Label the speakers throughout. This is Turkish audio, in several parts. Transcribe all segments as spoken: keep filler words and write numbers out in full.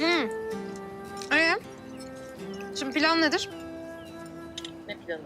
Speaker 1: Hmm. Ee, şimdi plan nedir?
Speaker 2: Ne planı?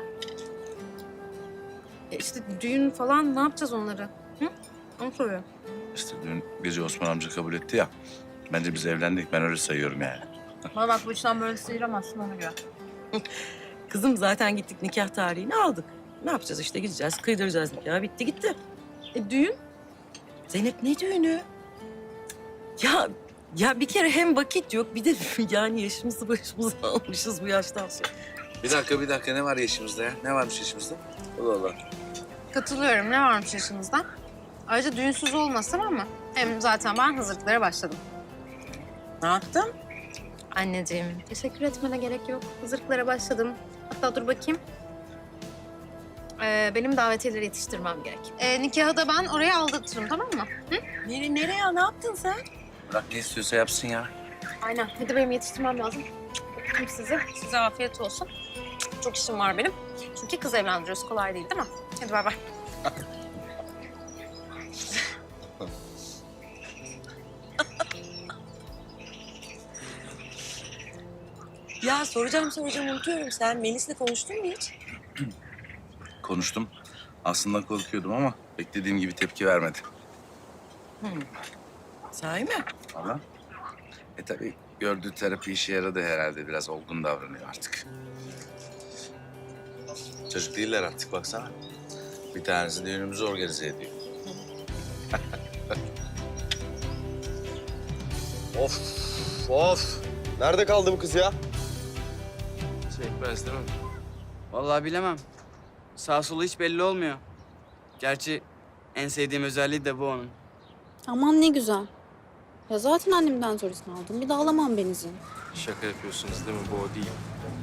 Speaker 1: E işte düğün falan ne yapacağız onları? Hı? Onu soruyorum.
Speaker 3: İşte dün gece Osman amca kabul etti ya. Bence biz evlendik. Ben öyle sayıyorum yani.
Speaker 2: Bana bak bu işten böyle sıyıramazsın ona göre.
Speaker 4: Kızım zaten gittik nikah tarihini aldık. Ne yapacağız işte gideceğiz, kıydıracağız nikahı. Bitti gitti.
Speaker 1: E düğün?
Speaker 4: Zeynep ne düğünü? Ya ya bir kere hem vakit yok bir de yani yaşımızı başımıza almışız bu yaştan sonra.
Speaker 3: Bir dakika, bir dakika. Ne var yaşımızda ya? Ne varmış yaşımızda? Allah Allah.
Speaker 1: Katılıyorum. Ne varmış yaşınızda? Ayrıca düğünsüz olmaz, tamam mı? Hem zaten ben hazırlıklara başladım.
Speaker 4: Ne yaptın?
Speaker 1: Anneciğim, teşekkür etmene gerek yok. Hazırlıklara başladım. Hatta dur bakayım. Ee, benim davetiyeleri yetiştirmem gerek. Ee, nikahı da ben oraya aldırtırım, tamam mı? Hı?
Speaker 4: Nereye, nereye? Ne yaptın sen?
Speaker 3: Bırak ne istiyorsa yapsın ya.
Speaker 1: Aynen. Hadi benim yetiştirmem lazım. Öptüm sizi. Size afiyet olsun. Çok işim var benim. Çünkü kız evlendiriyoruz. Kolay değil, değil mi? Hadi bay bay.
Speaker 4: Ya soracağım soracağım unutuyorum. Sen Melis'le konuştun mu hiç?
Speaker 3: Konuştum. Aslında korkuyordum ama beklediğim gibi tepki vermedi.
Speaker 4: Sahi mi?
Speaker 3: Valla. E tabii gördüğü terapi işe yaradı herhalde. Biraz olgun davranıyor artık. Çocuk değiller artık baksana. Bir tanesi düğünümüzü organize ediyor.
Speaker 5: Of, of. Nerede kaldı bu kız ya?
Speaker 6: Çekmez değil mi? Vallahi bilemem. Sağ solu hiç belli olmuyor. Gerçi en sevdiğim özelliği de bu onun.
Speaker 7: Aman ne güzel. Ya zaten annemden sonrasını aldım. Bir de alamam benzin.
Speaker 6: Şaka yapıyorsunuz değil mi? Bu o değil.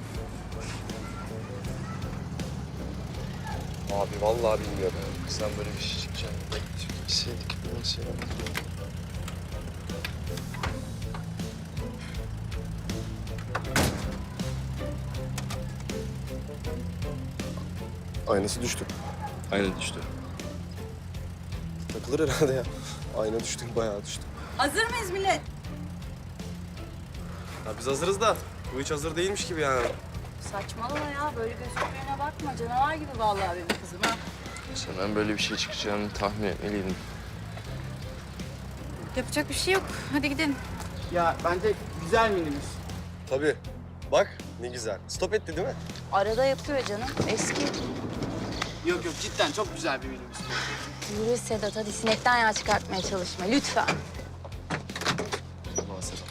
Speaker 5: Abi vallahi bilmiyorum. Kızdan böyle bir şey çıkacağını bekleseydik nasıl ya? Aynası düştü.
Speaker 6: Aynen düştü.
Speaker 5: Takılır herhalde ya. Ayna düştü, bayağı düştü.
Speaker 4: Hazır mıyız millet?
Speaker 5: Ya biz hazırız da bu hiç hazır değilmiş gibi yani.
Speaker 2: Saçmalama ya. Böyle gözüktüğüne bakma. Canavar gibi vallahi benim kızım ha.
Speaker 6: Senden böyle bir şey çıkacağını tahmin etmeliydim.
Speaker 1: Yapacak bir şey yok. Hadi gidelim.
Speaker 6: Ya bence güzel minibüs.
Speaker 5: Tabii. Bak ne güzel. Stop etti değil mi?
Speaker 2: Arada yapıyor canım. Eski.
Speaker 6: Yok yok cidden çok güzel bir minibüs.
Speaker 2: Yürü Sedat, hadi sinekten yağ çıkartmaya çalışma lütfen.
Speaker 5: Allah Sedat.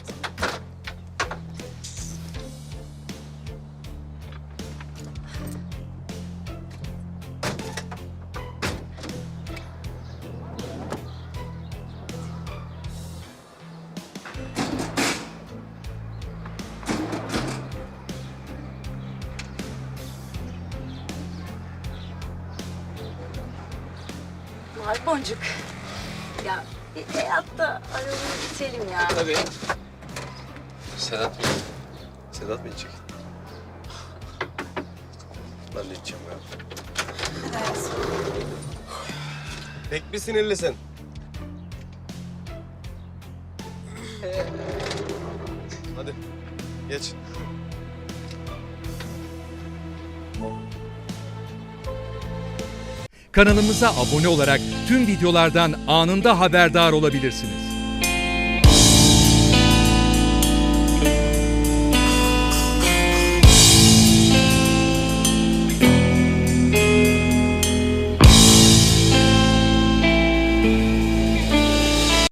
Speaker 2: Var boncuk. Ya bir hayatta arabayı bitelim ya.
Speaker 6: Tabii.
Speaker 5: Sedat mı? Sedat mı içecek? Ben de içeceğim ya. Pek bir sinirlisin. Hadi geç.
Speaker 8: Kanalımıza abone olarak tüm videolardan anında haberdar olabilirsiniz.